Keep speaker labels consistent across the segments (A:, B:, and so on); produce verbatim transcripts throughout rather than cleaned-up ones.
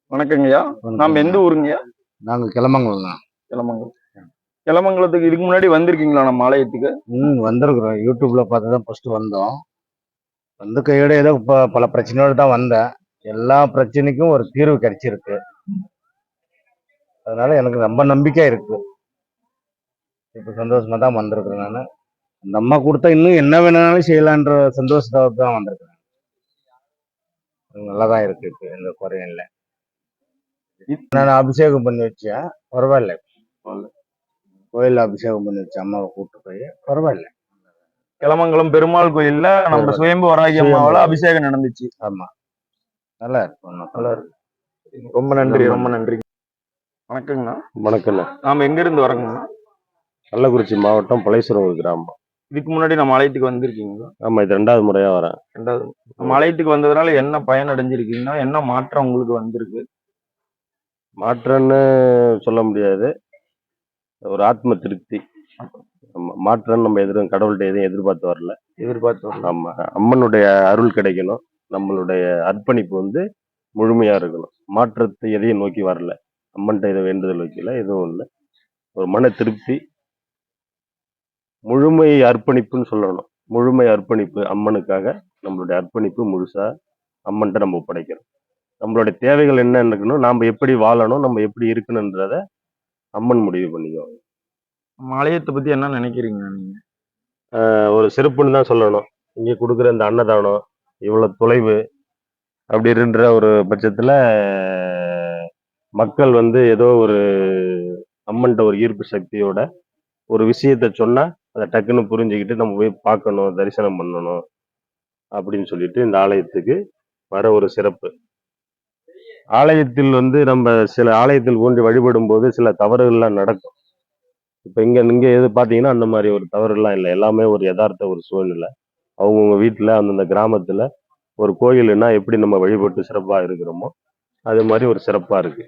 A: வணக்கங்கய்யா. நாம எந்த ஊருங்கய்யா?
B: நாங்க கிளமங்கலம் தான்.
A: கிளமங்கலம். கிளமங்கலத்துக்கு இதுக்கு முன்னாடி வந்திருக்கீங்களா நம்ம ஆலயத்துக்கு?
B: ம் வந்திருக்கிறோம். யூடியூப்ல பார்த்து தான் ஃபர்ஸ்ட் வந்தோம். வந்து கையோட ஏதோ ப பல பிரச்சனையோட தான் வந்தேன். எல்லா பிரச்சனைக்கும் ஒரு தீர்வு கிடைச்சிருக்கு. அதனால எனக்கு ரொம்ப நம்பிக்கை இருக்கு. இப்ப சந்தோஷமா தான் வந்திருக்கிறேன் நானு. அந்த அம்மா கொடுத்தா இன்னும் என்ன வேணாலும் செய்யலான்ற சந்தோஷத்தோட தான் வந்திருக்கிறேன். நல்லா தான் இருக்கு. இப்ப எந்த குறையும் இல்லை. நான் அபிஷேகம் பண்ணி வச்சேன். பரவாயில்ல. கோயில் அபிஷேகம் பண்ணி வச்சேன் அம்மாவை கூப்பிட்டு போய். பரவாயில்ல.
A: கிளமங்கலம் பெருமாள் கோயில்ல நம்ம சுயம்பு வராகி அம்மாவால அபிஷேகம் நடந்துச்சு.
B: ஆமா, நல்லா இருக்கு.
A: நல்லா இருக்கு. ரொம்ப நன்றி, ரொம்ப நன்றி. வணக்கங்கண்ணா.
B: வணக்கண்ணா.
A: நாம எங்க இருந்து வரோங்கண்ணா?
B: கள்ளக்குறிச்சி மாவட்டம் பழையசுரம் கிராமம்.
A: இதுக்கு முன்னாடி நம்ம ஆலயத்துக்கு வந்திருக்கீங்களா?
B: ஆமா, இது ரெண்டாவது முறையா வரேன்.
A: ரெண்டாவது. நம்ம ஆலயத்துக்கு வந்ததுனால என்ன பயன் அடைஞ்சிருக்கீங்கன்னா, என்ன மாற்றம் உங்களுக்கு வந்திருக்கு?
B: மாற்றம்னு சொல்ல முடியாது, ஒரு ஆத்ம திருப்தி. ஆமா, மாற்றம் நம்ம எதிரும் கடவுள்கிட்ட எதுவும் எதிர்பார்த்து வரல.
A: எதிர்பார்த்து வரல.
B: ஆமா, அம்மனுடைய அருள் கிடைக்கணும். நம்மளுடைய அர்ப்பணிப்பு வந்து முழுமையா இருக்கணும். மாற்றத்தை எதையும் நோக்கி வரல. அம்மன்கிட்ட எதுவும் வேண்டுதல் வைக்கல, எதுவும் இல்லை. ஒரு மன திருப்தி, முழுமை அர்ப்பணிப்புன்னு சொல்லணும். முழுமை அர்ப்பணிப்பு அம்மனுக்காக நம்மளுடைய அர்ப்பணிப்பு முழுசா அம்மன்கிட்ட நம்ம ஒப்படைக்கிறோம். நம்மளுடைய தேவைகள் என்ன இருக்கணும், நாம் எப்படி வாழணும், நம்ம எப்படி இருக்கணுன்றத அம்மன் முடிவு பண்ணிக்குவாங்க.
A: நம்ம ஆலயத்தை பத்தி என்ன நினைக்கிறீங்க நீங்க?
B: ஒரு சிறப்புன்னு தான் சொல்லணும். இங்கே கொடுக்குற இந்த அன்னதானம் இவ்வளவு தொலைவு அப்படி இருன்ற ஒரு பட்சத்துல மக்கள் வந்து ஏதோ ஒரு அம்மன்ட்ட ஒரு ஈர்ப்பு சக்தியோட ஒரு விஷயத்த சொன்னா அதை டக்குன்னு புரிஞ்சுக்கிட்டு நம்ம போய் பார்க்கணும், தரிசனம் பண்ணணும் அப்படின்னு சொல்லிட்டு இந்த ஆலயத்துக்கு வர ஒரு சிறப்பு. ஆலயத்தில் வந்து நம்ம சில ஆலயத்தில் ஊன்றி வழிபடும் போது சில தவறுகள்லாம் நடக்கும். இப்ப இங்க இங்க எது பாத்தீங்கன்னா அந்த மாதிரி ஒரு தவறுலாம் இல்லை. எல்லாமே ஒரு யதார்த்த ஒரு சூழ்நிலை. அவங்கவுங்க வீட்டுல அந்தந்த கிராமத்துல ஒரு கோயிலுன்னா எப்படி நம்ம வழிபட்டு சிறப்பா இருக்கிறோமோ அது மாதிரி ஒரு சிறப்பா இருக்கு.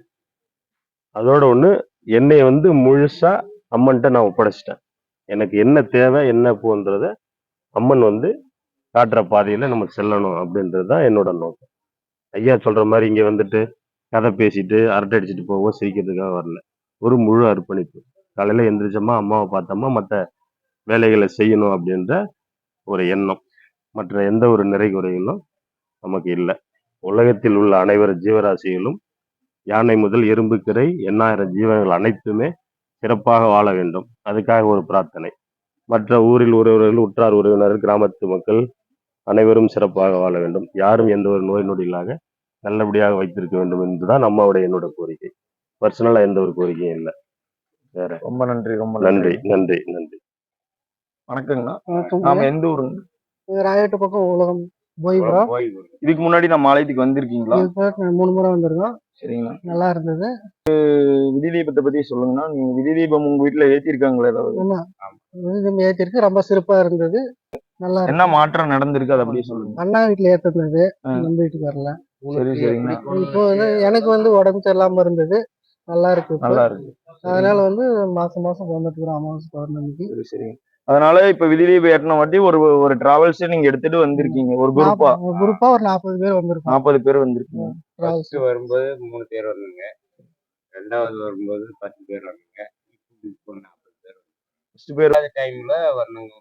B: அதோட ஒண்ணு, என்னை வந்து முழுசா அம்மன்ட்ட நான் ஒப்படைச்சிட்டேன். எனக்கு என்ன தேவை என்ன போன்றத அம்மன் வந்து காட்டுற பாதையில நம்ம செல்லணும் அப்படின்றதுதான் என்னோட நோக்கம். ஐயா சொல்ற மாதிரி இங்க வந்துட்டு கதை பேசிட்டு அரட்டை அடிச்சுட்டு போவோம், சிரிக்கிறதுக்காக வரல. ஒரு முழு அர்ப்பணிப்பு. காலையில எந்திரிச்சோமா, அம்மாவை பார்த்தோமா, மற்ற வேலைகளை செய்யணும் அப்படின்ற ஒரு எண்ணம். மற்ற எந்த ஒரு நிறை குறைகளும் நமக்கு இல்லை. உலகத்தில் உள்ள அனைவரு ஜீவராசிகளும் யானை முதல் எறும்பு கிரை எண்ணாயிரம் ஜீவன்கள் அனைத்துமே சிறப்பாக வாழ வேண்டும். அதுக்காக ஒரு பிரார்த்தனை. மற்ற ஊரில் ஒருவர்கள், உற்றார் உறவினர், கிராமத்து மக்கள் அனைவரும் சிறப்பாக வாழ வேண்டும். யாரும் எந்த ஒரு நோய் நொடியிலாக நல்லபடியாக வைத்திருக்க வேண்டும் என்றுதான் அம்மாவுடைய என்னோட கோரிக்கை. பர்சனலா எந்த ஒரு கோரிக்கையும் இல்லை. வேற.
A: ரொம்ப நன்றி, ரொம்ப
B: நன்றி நன்றி நன்றி.
A: வணக்கங்கண்ணா. நாம எந்த ஊருங்க?
C: ராயட்டு பக்கம் உலகம் போய்கிறோம்.
A: இதுக்கு முன்னாடி நம்ம ஆலயத்துக்கு வந்திருக்கீங்களா?
C: மூணு முறை வந்திருக்கோம்.
A: சரிங்கண்ணா.
C: நல்லா இருந்தது.
A: விதி தீபத்தை பத்தி சொல்லுங்கண்ணா. நீங்க விதி தீபம் உங்க வீட்டுல ஏத்திருக்காங்களா ஏதாவது?
C: விதி ஏத்திருக்கு, ரொம்ப சிறப்பா இருந்தது. நல்லா
A: என்ன மாற்றம் நடந்திருக்கு அதை அப்படியே சொல்லுங்க.
C: அண்ணா வீட்டுல ஏத்துனது, நம்ம வீட்டுக்கு வரல.
A: சரி சரிங்கண்ணா.
C: இப்போ வந்து எனக்கு வந்து உடம்பு சரியில்லாம இருந்தது. நல்லா இருக்கு,
A: நல்லா இருக்கு.
C: அதனால வந்து மாசம் மாசம் வந்துட்டு இருக்கிறோம் அமாவாசை பௌர்ணமிக்கு.
A: சரி சரிங்க. அதனால இப்ப விதி தீபம் ஏற்றின வாட்டி ஒரு ஒரு டிராவல்ஸ் நீங்க எடுத்துட்டு வந்திருக்கீங்க. ஒரு குரூப்பா
C: குரூப்பா ஒரு நாற்பது பேர் வந்திருக்கோம்.
A: நாற்பது பேர் வந்திருக்கீங்க.
B: வரும்போது மூணு பேர் வரணுங்க. ரெண்டாவது வரும்போது பத்து பேர் வரணுங்க. நாற்பது பேர் ஃபர்ஸ்ட் பேர் டைம்ல வரணுங்க.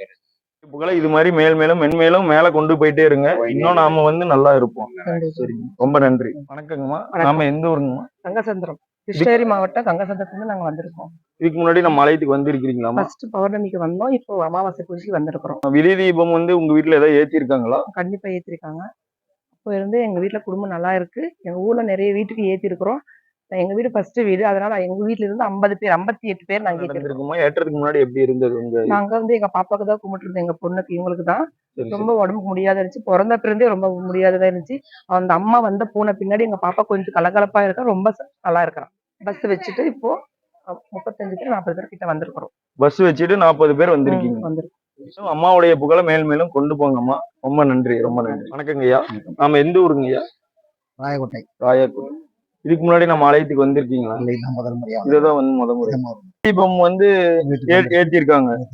A: புகழ இது மாதிரி மேல் மேலும் மென்மேலும் மேல கொண்டு போயிட்டே இருங்க. இன்னும் நாம வந்து நல்லா இருப்போம். சரிங்க, ரொம்ப நன்றி. வணக்கங்கம்மா. நாம எந்த ஊருங்கம்மா?
D: கங்கசந்திரம், கிருஷ்ணகிரி மாவட்டம் கங்கசந்திரத்துல நாங்க வந்திருக்கோம்.
A: இதுக்கு முன்னாடி நம்ம ஆலயத்துக்கு வந்திருக்கீங்களா?
D: ஃபர்ஸ்ட் பௌர்ணமிக்கு வந்தோம், இப்போ அமாவாசை பூஜைக்கு வந்திருக்கிறோம்.
A: விதி தீபம் வந்து உங்க வீட்டுல ஏதாவது ஏத்திருக்காங்களா?
D: கண்டிப்பா ஏத்திருக்காங்க. அப்போ இருந்து எங்க வீட்டுல குடும்பம் நல்லா இருக்கு. எங்க ஊர்ல நிறைய வீட்டுக்கு ஏத்தி இருக்கிறோம். எங்க வீடு ஃபர்ஸ்ட் வீடு, அதனால எங்க வீட்டுல இருந்து ஐம்பது பேர் ஐம்பத்தி எட்டு பேர் நாங்க
A: ஏற்றிருக்கோம். ஏற்றதுக்கு முன்னாடி எப்படி இருந்தது?
D: நாங்க வந்து எங்க பாப்பாக்கு தான் கும்பிட்டு இருந்தோம், எங்க பொண்ணுக்கு இவங்களுக்கு தான் ரொம்ப உடம்புக்கு முடியாத இருந்துச்சு. பிறந்த பிறந்தே ரொம்ப முடியாததா இருந்துச்சு. அந்த அம்மா வந்து போன பின்னாடி எங்க பாப்பா கொஞ்சம் கலகலப்பா இருக்கா, ரொம்ப நல்லா இருக்கிறான். பஸ் வச்சுட்டு இப்போ முப்பத்தஞ்சு பேர் நாற்பது பேர் கிட்ட வந்திருக்கிறோம்.
A: பஸ் வச்சுட்டு நாற்பது பேர் வந்திருக்கீங்க. வந்திருக்கோம். அம்மாவுடைய புகழ மேல் மேலும் கொண்டு போங்கம்மா. ரொம்ப நன்றி, ரொம்ப நன்றி. வணக்கங்க ஐயா. நாம எந்த ஊருங்க ஐயா?
C: ராயக்கோட்டை.
A: ராயக்கோட்டை. இதுக்கு முன்னாடி நம்ம ஆலயத்துக்கு வந்திருக்கீங்களா?
C: முதல் முறையா.
A: இதுதான் வந்து முத முறை. தீபம் வந்து ஏத்திருக்காங்க.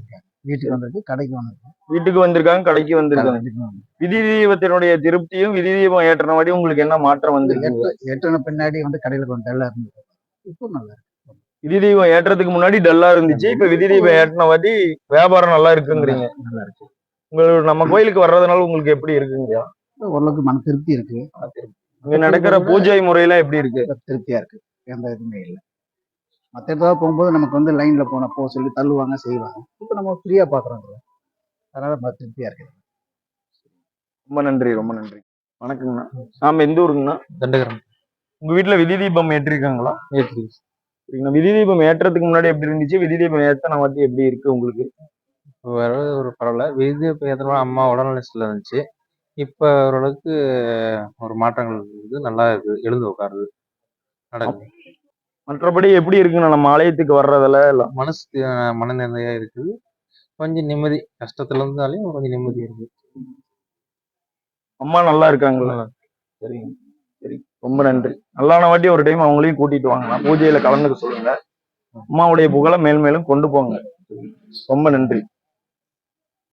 C: வீட்டுக்கு வந்திருக்கு, கடைக்கு வந்திருக்கு.
A: வீட்டுக்கு வந்திருக்காங்க, கடைக்கு வந்திருக்காங்க.
C: வீட்டுக்கு வந்திருக்கு.
A: விதி தீபத்தினுடைய திருப்தியும் விதி தீபம் ஏற்றின வாட்டி உங்களுக்கு என்ன மாற்றம் வந்திருக்கு?
C: எட்டு எட்டுன பின்னாடி வந்து கடையில கொஞ்சம் டல்லா இருந்தது. இப்போ நல்லா இருக்கு.
A: விதி தீபம் ஏற்றதுக்கு முன்னாடி டல்லா இருந்துச்சு, இப்ப விதி தீபம் ஏற்றின வாட்டி வியாபாரம் நல்லா இருக்குங்கிறீங்க.
C: நல்லா இருக்கு.
A: உங்களுக்கு நம்ம கோயிலுக்கு வர்றதுனால உங்களுக்கு எப்படி இருக்குங்க?
C: ஓரளவுக்கு மன திருப்தி இருக்கு.
A: இங்க நடக்கிற பூஜை முறையெல்லாம் எப்படி இருக்கு?
C: திருப்தியா இருக்கு. எந்த இதுவுமே இல்லை. மற்ற இடத்துல போகும்போது நமக்கு வந்து லைன்ல போன போக சொல்லி தள்ளுவாங்க, செய்வாங்க. இப்போ நம்ம ஃப்ரீயா பாக்குறோம். அதனால நம்ம திருப்தியா இருக்கு.
A: ரொம்ப நன்றி, ரொம்ப நன்றி. வணக்கங்கண்ணா. நாம எந்த ஊருங்கண்ணா?
E: தண்டகரம்
A: உங்க வீட்டுல விதி தீபம் ஏற்றிருக்காங்களா?
E: ஏற்றி
A: சரிங்கண்ணா. விதி தீபம் ஏற்றதுக்கு முன்னாடி எப்படி இருந்துச்சு? விதி தீபம் ஏத்தன வாட்டி எப்படி இருக்கு உங்களுக்கு?
E: வேற ஒரு பரவாயில்ல. விதி இப்போ எத்தனை அம்மா உடல்நிலை சரியில்லை இருந்துச்சு. இப்போ ஓரளவுக்கு ஒரு மாற்றங்கள் இருக்குது. நல்லா இருக்கு. எழுந்து உட்காருது, நடக்குது.
A: மற்றபடி எப்படி இருக்குண்ணா நம்ம ஆலயத்துக்கு வர்றதுல எல்லாம்?
E: மனசு மன நிறையா இருக்குது. கொஞ்சம் நிம்மதி. கஷ்டத்துல இருந்தாலையும் கொஞ்சம் நிம்மதி இருக்கு.
A: அம்மா நல்லா இருக்காங்களா?
E: நல்லா
A: சரிங்க, சரி, ரொம்ப நன்றி. நல்லான வாட்டி ஒரு டைம் அவங்களையும் கூட்டிட்டு வாங்க, பூஜையில கலந்துக்க சொல்லுங்க. அம்மாவுடைய புகழை மேல் மேலும் கொண்டு போங்க. ரொம்ப நன்றி.